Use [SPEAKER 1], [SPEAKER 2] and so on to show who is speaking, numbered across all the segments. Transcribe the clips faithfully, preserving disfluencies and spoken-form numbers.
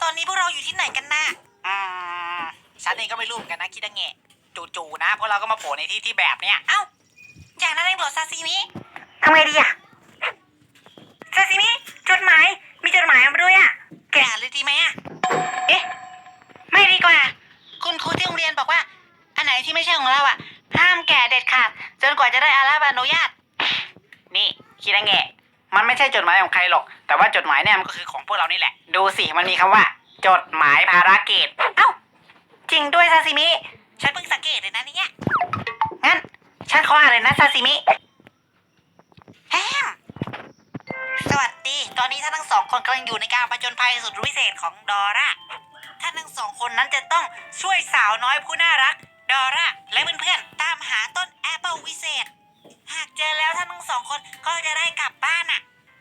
[SPEAKER 1] ตอนนี้พวกเราอยู่ที่ไหนกันนะ
[SPEAKER 2] อืมฉันเองก็ไม่รู้เหมือนกันนะคิดยังไงจู่ๆนะพวกเราก็มาโผล่ในที่ที่แบบเนี้ย
[SPEAKER 1] เอ้าอย่างนั้นเองเหรอซาซิมิทำไงดีอะซาซิมิจดหมายมีจดหมายมาด้วยอะแกะเลยดีไหมอะเอ๊ะไม่ดีกว่าคุณครูที่โรงเรียนบอกว่าอันไหนที่ไม่ใช่ของเราอะห้ามแกะเด็ดขาดจนกว่าจะได้อาราบอนุญาต
[SPEAKER 2] นี่คิดยังไงมันไม่ใช่จดหมายของใครหรอกแต่ว่าจดหมายเนี่ยมันก็คือของพวกเรานี่แหละดูสิมันมีคำว่าจดหมายภารกิจ
[SPEAKER 1] เอ้าจริงด้วยซาซิมิฉันเพิ่งสังเกตเลยนะเนี่ยงั้นฉันขออ่านเลยนะซาซิมิแฮมสวัสดีตอนนี้ท่านทั้งสองคนกำลังอยู่ในการผจญภัยสุดวิเศษของดอร่าท่านทั้งสองคนนั้นจะต้องช่วยสาวน้อยผู้น่ารักดอร่าและเพื่อนๆตามหาต้นแอปเปิลวิเศษหากเจอแล้วท่านทั้งสองคนก็จะได้กลับบ้านน่ะ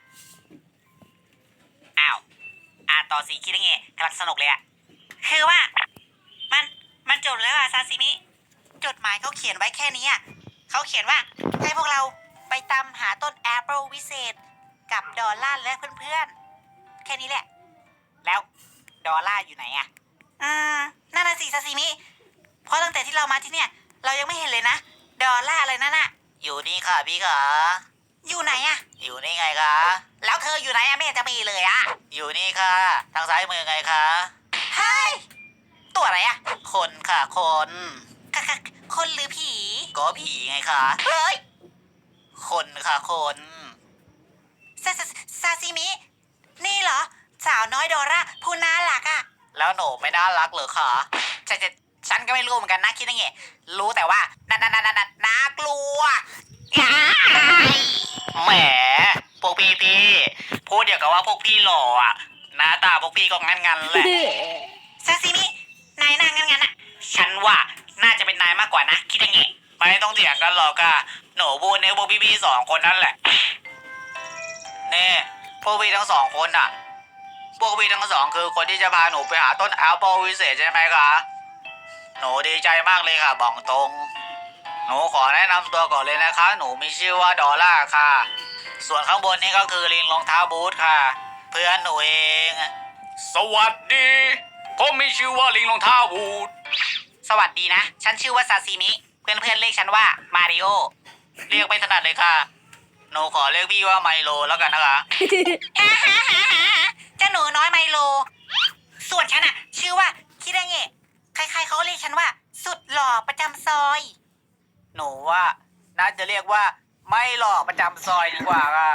[SPEAKER 2] อ้าวอ่านต่อสิคิดยังไงกำลังสนุกเลยอะ
[SPEAKER 1] คือว่ามันมันจบแล้วอะซาซิมิจดหมายเขาเขียนไว้แค่นี้อะเขาเขียนว่าให้พวกเราไปตามหาต้นแอปเปิลวิเศษกับดอลล่าและเพื่อนๆแค่นี้แหละ
[SPEAKER 2] แล้วดอลล่าอยู่ไหนอะ
[SPEAKER 1] อืมนั่นน่ะสิซาซิมิเพราะตั้งแต่ที่เรามาที่เนี่ยเรายังไม่เห็นเลยนะดอลล่าอะไรนั่นน่ะ
[SPEAKER 2] อยู่นี่ค่ะพี่ขา
[SPEAKER 1] อยู่ไหนอะ
[SPEAKER 2] อยู่นี่ไงคะ
[SPEAKER 1] แล้วเธออยู่ไหนอะไม่เห็นจะมีเลยอะ
[SPEAKER 2] อยู่นี่ค่ะทางซ้ายมือไงคะ
[SPEAKER 1] เฮ้ยตัวอะไรอะ
[SPEAKER 2] คนค่ะคน
[SPEAKER 1] ค่ะค่ะคนหรือผี
[SPEAKER 2] ก็ผีไงคะ
[SPEAKER 1] เฮ้ย
[SPEAKER 2] คนค่ะคน
[SPEAKER 1] ซาซาซาซิมินี่เหรอสาวน้อยดอร่าผู้น่ารักอะ
[SPEAKER 2] แล้วหนูไม่น่ารักเหรอคะฉันจะฉันก็ไม่รู้เหมือนกันนะคิดยังไงรู้แต่ว่าน่าน่าน่าน่าน่ากลัวแหมพวกพี่พี่พูดเดี๋ยวกับว่าพวกพี่หล่ออ่ะหน้าตาพวกพี่ก็งั้นงั้นแหละ
[SPEAKER 1] ซาซิมินายนางงั้นงั้นอะ
[SPEAKER 2] ฉันว่าน่าจะเป็นนายมากกว่านะคิดยังไงไม่ต้องเถียงกันหรอกค่ะหนูพูดในพวกพี่พี่สองคนนั่นแหละนี่พวกพี่ทั้งสองคนอ่ะพวกพี่ทั้งสองคือคนที่จะพาหนูไปหาต้นแอปเปิลวิเศษใช่ไหมคะหนูดีใจมากเลยค่ะบอกตรงหนูขอแนะนำตัวก่อนเลยนะคะหนูมีชื่อว่าดอลล่าค่ะส่วนข้างบนนี่ก็คือลิงรองเท้าบูทค่ะเพื่อนหนูเองสวัสดีผมมีชื่อว่าลิงรองเท้าบูทสวัสดีนะฉันชื่อว่าซาซิมิเพื่อนเพื่อนเรียกฉันว่ามาริโอเรียกไม่ถนัดเลยค่ะหนูขอเรียกพี่ว่าไมโลแล้วกันนะคะ
[SPEAKER 1] เจ้าหนูน้อยไมโลส่วนฉันอะชื่อว่าคิดเงะใครๆเขาเรียกฉันว่าสุดหล่อประจำซอย
[SPEAKER 2] หนูว่าน่าจะเรียกว่าไม่หล่อประจำซอยดีกว่าค่ะ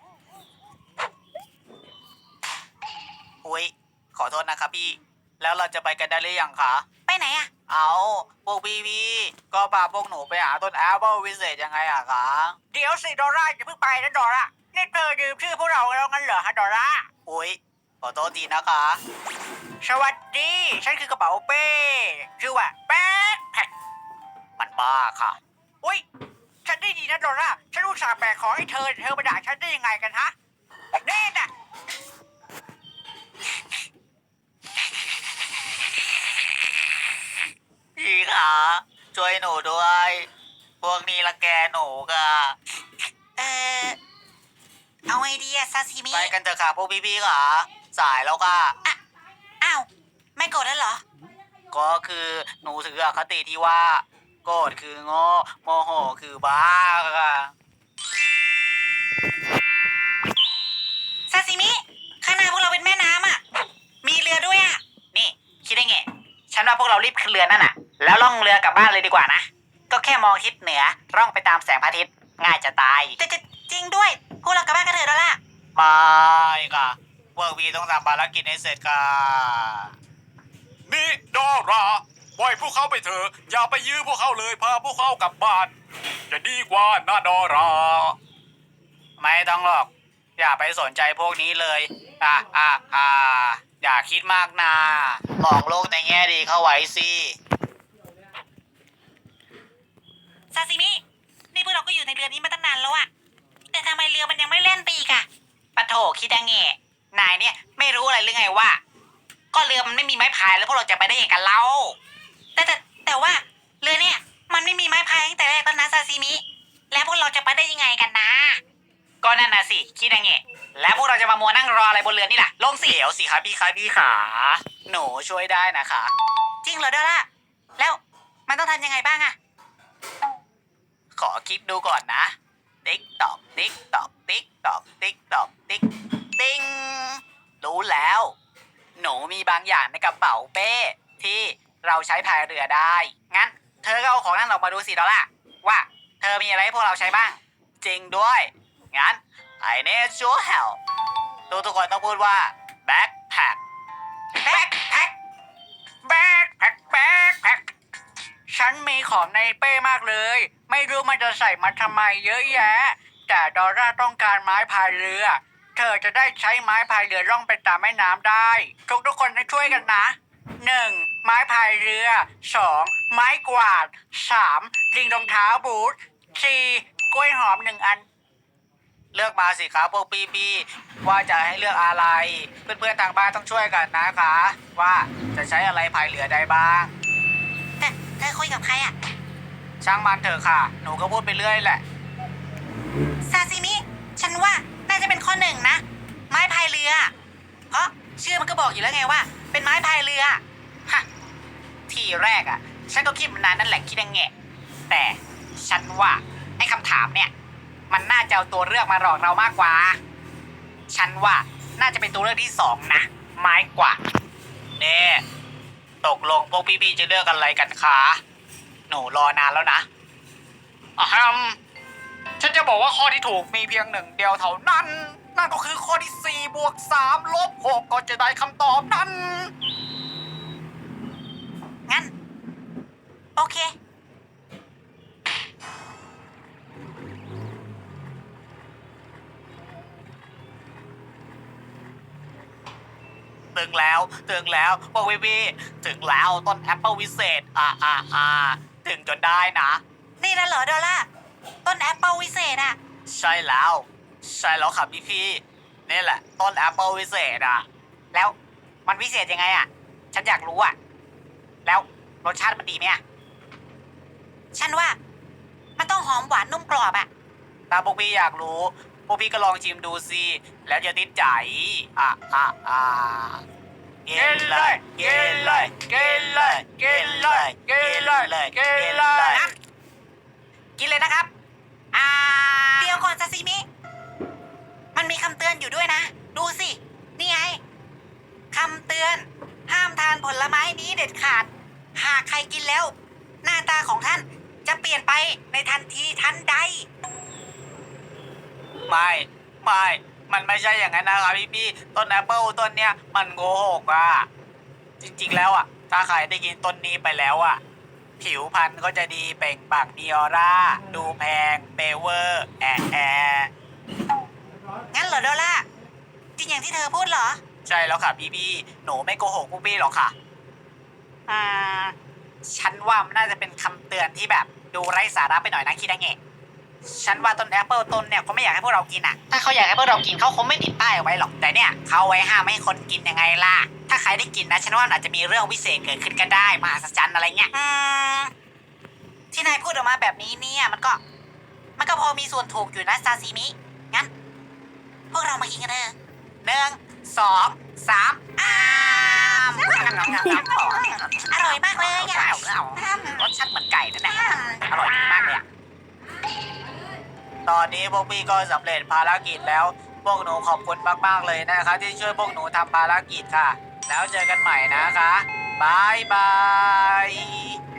[SPEAKER 2] อุ้ยขอโทษนะครับพี่แล้วเราจะไปกันได้หรือยังคะ
[SPEAKER 1] ไปไหนอะ
[SPEAKER 2] เอาพวกพี่พี่ก็พาพวกหนูไปหาต้นแอปเปิลวิเศษยังไงอะคะ
[SPEAKER 1] เดี๋ยวสิดอร่าอย่าเพิ่งไปนะดอร่านี่เธอยืมชื่อพวกเราแล้วงั้นเหรอฮะดอร่า
[SPEAKER 2] อุ้ยขอโทษทีนะคะ
[SPEAKER 1] สวัสดีฉันคือกระเป๋าเป้ชื่อว่าแป๊ดแพ็ค
[SPEAKER 2] มันบ้าค่ะ
[SPEAKER 1] อุ้ยฉันได้ยินนะดอร่าฉันอุตส่าห์แบกของให้เธอเธอมาด่าฉันได้ยังไงกันฮะเน่น่ะ
[SPEAKER 2] พี่คะช่วยหนูด้วยพวกนี้ละแกหนูค่ะ
[SPEAKER 1] เออเอาไอเดียซาซิมิ
[SPEAKER 2] ไปกันเถอะค่ะพวกพี่ๆค่ะสายแล้วค่ะ
[SPEAKER 1] อ่ะอ้าวไม่โกรธแล้วเหรอ
[SPEAKER 2] ก็คือหนูถืออคติที่ว่าโกรธคือโง่โมโหคือบ้าค่ะ
[SPEAKER 1] ซาซิมิข้างหน้าพวกเราเป็นแม่น้ำอ่ะมีเรือด้วยอ่ะ
[SPEAKER 2] นี่คิดได้ไงฉันว่าพวกเรารีบขึ้นเรือนั่นน่ะแล้วล่องเรือกลับบ้านเลยดีกว่านะก็แค่มองทิศเหนือร่องไปตามแสงพระอาทิตย์ง่ายจะตาย
[SPEAKER 1] จะจะจริงด้วยพวกเรากลับบ้านกันเถอะแล้วล่ะ
[SPEAKER 2] ไม่ค่ะพวกพี่ต้องทำภารกิจให้เสร็จค่ะ
[SPEAKER 3] นี่ดอราปล่อยพวกเขาไปเถอะอย่าไปยื้อพวกเขาเลยพาพวกเขากลับบ้านจะดีกว่านะดอรา
[SPEAKER 2] ไม่ต้องหรอกอย่าไปสนใจพวกนี้เลยอ่ะอ่ะอ่ะอย่าคิดมากนะมองโลกในแง่ดีเข้าไว้สิ
[SPEAKER 1] ซาซิมินี่พวกเราก็อยู่ในเรือนี้มาตั้งนานแล้วอะแต่ทำไมเรือมันยังไม่เล่นไปอีกอะ
[SPEAKER 2] ปะโถคิดยังไงนายเนี่ยไม่รู้อะไรหรือไงว่าก็เรือมันไม่มีไม้พายแล้วพวกเราจะไปได้ยังไงกันเล่า
[SPEAKER 1] แต่แต่แต่ว่าเรือเนี่ยมันไม่มีไม้พายตั้งแต่แรกแล้วนะซาซิมิแล้วพวกเราจะไปได้ยังไงกันนะ
[SPEAKER 2] ก็นั่นน่ะสิคิดยังไงแล้วพวกเราจะมามัวนั่งรออะไรบนเรือนี่ล่ะลงสิเดี๋ยวสิครับพี่ครับพี่ขา หนูช่วยได้นะคะ
[SPEAKER 1] จริงเหรอดอลล่าแล้วมันต้องทำยังไงบ้างอะ
[SPEAKER 2] ขอคิดดูก่อนนะ ติ๊กตอก ติ๊กตอก ติ๊กตอก ติ๊กตอก ติ๊ก ติ๊ง รู้แล้ว หนูมีบางอย่างในกระเป๋าเป้ที่เราใช้พายเรือได้ งั้น เธอก็เอาของนั่นออกมาดูสิดอลล่าว่าเธอมีอะไรให้พวกเราใช้บ้าง จริงด้วย งั้น I need your help ทุกทุกคนต้องพูดว่า backpack backpack backpack backpack ฉันมีของในเป้มากเลย ไม่รู้มันจะใส่มาทำไมเยอะแยะ แต่ดอร่าต้องการไม้พายเรือ เธอจะได้ใช้ไม้พายเรือล่องไปตามแม่น้ำได้ ทุกทุกคนช่วยกันนะหนึ่งไม้พายเรือสองไม้กวาดสามลิงรองเท้าบูทสี่กล้วยหอมหนึ่งอัน เลือกมาสิครับพวกพี่พี่ว่าจะให้เลือกอะไร เพื่อนๆทางบ้านต้องช่วยกันนะคะ ว่าจะใช้อะไรพายเรือได้บ้าง
[SPEAKER 1] แต่เธอคุยกับใครอะ
[SPEAKER 2] ช่างมันเถอะค่ะ หนูก็พูดไปเรื่อยแหละ
[SPEAKER 1] ซาซิมิ ฉันว่าน่าจะเป็นข้อหนึ่งนะ ไม้พายเรือ เพราะชื่อมันก็บอกอยู่แล้วไงว่า เป็นไม้พายเรือ
[SPEAKER 2] ฮะ ทีแรกอ่ะ ฉันก็คิดมานานนั่นแหละคิดยังไงแต่ฉันว่าไอ้คำถามเนี่ย มันน่าจะเอาตัวเลือกมาหลอกเรามากกว่า ฉันว่าน่าจะเป็นตัวเลือกที่สองนะ ไม้กว่าดเน่ตกลงพวกพี่ๆจะเลือกอะไรกันคะหนูรอนานแล้วนะอ่ะฮัมฉันจะบอกว่าข้อที่ถูกมีเพียงหนึ่งเดียวเท่านั้น นั่นก็คือข้อที่สี่บวกสามลบหกก็จะได้คำตอบนั้น
[SPEAKER 1] งั้น โอเค
[SPEAKER 2] ถึงแล้วถึงแล้วพวกพี่พี่ถึงแล้วต้นแอปเปิลวิเศษอ่าอ่าอ่าถึงจนได้นะ
[SPEAKER 1] นี่นะเหรอดอลล่าต้นแอปเปิลวิเศษอะ
[SPEAKER 2] ใช่แล้ว ใช่แล้วครับพี่พี่นี่แหละ ต้นแอปเปิลวิเศษอ่ะ แล้วมันวิเศษยังไงอ่ะ ฉันอยากรู้อ่ะ แล้วรสชาติมันดีไหมอ่ะ
[SPEAKER 1] ฉันว่า มันต้องหอมหวานนุ่มกรอบอะ
[SPEAKER 2] ถ้าพวกพี่อยากรู้พวกพี่ก็ลองชิมดูสิแล้วจะติดใจอ่ะอ่ะอ่ะกินเลยกินเลยกินเลยกินเลยกินเลยกินเลยกินเลยนะครับอ่า
[SPEAKER 1] เดี๋ยวก่อนซาซิมิ มันมีคำเตือนอยู่ด้วยนะ ดูสิ นี่ไงคำเตือน ห้ามทานผลไม้นี้เด็ดขาด หากใครกินแล้ว หน้าตาของท่านจะเปลี่ยนไปในทันทีทันใด
[SPEAKER 2] ไม่ไม่มันไม่ใช่อย่างนั้นนะครับพี่พี่ต้นแอปเปิลต้นเนี้ยมันโกหกอ่ะจริงๆแล้วอ่ะถ้าใครได้กินต้นนี้ไปแล้วอ่ะผิวพรรณก็จะดีเปล่งปลั่งมีออร่าดูแพงเปเวอร์แอะแอะ
[SPEAKER 1] งั้นเหรอดอลล่าจริงอย่างที่เธอพูดเหรอ
[SPEAKER 2] ใช่แล้วค่ะพี่พี่หนูไม่โกหกพวกพี่หรอกค่ะอืมฉันว่ามันน่าจะเป็นคำเตือนที่แบบดูไร้สาระไปหน่อยนะคิดได้ไงฉันว่าต้นแอปเปิลต้นเนี่ยเขาไม่อยากให้พวกเรากินอ่ะ ถ้าเขาอยากให้พวกเรากินเขาคงไม่ติดป้ายเอาไว้หรอก แต่เนี่ยเขาไว้ห้ามไม่ให้คนกินยังไงล่ะ ถ้าใครได้กินนะฉันว่ามันอาจจะมีเรื่องวิเศษเกิดขึ้นก็ได้มหัศจรรย์อะไรเงี้ย
[SPEAKER 1] อืม ที่นายพูดออกมาแบบนี้เนี่ย มันก็ มันก็พอมีส่วนถูกอยู่นะซาซิมิ งั้น พวกเรามากินกันเถอะ
[SPEAKER 2] หนึ่งสองสาม
[SPEAKER 1] อ้ามอร่อยมากเลยอ่ะ
[SPEAKER 2] รสชาติเหมือนไก่นั่นแหละอร่อยมากเลยอ่ะตอนนี้พวกพี่ก็สำเร็จภารกิจแล้ว พวกหนูขอบคุณมากๆเลยนะคะ ที่ช่วยพวกหนูทำภารกิจค่ะ แล้วเจอกันใหม่นะคะบายบาย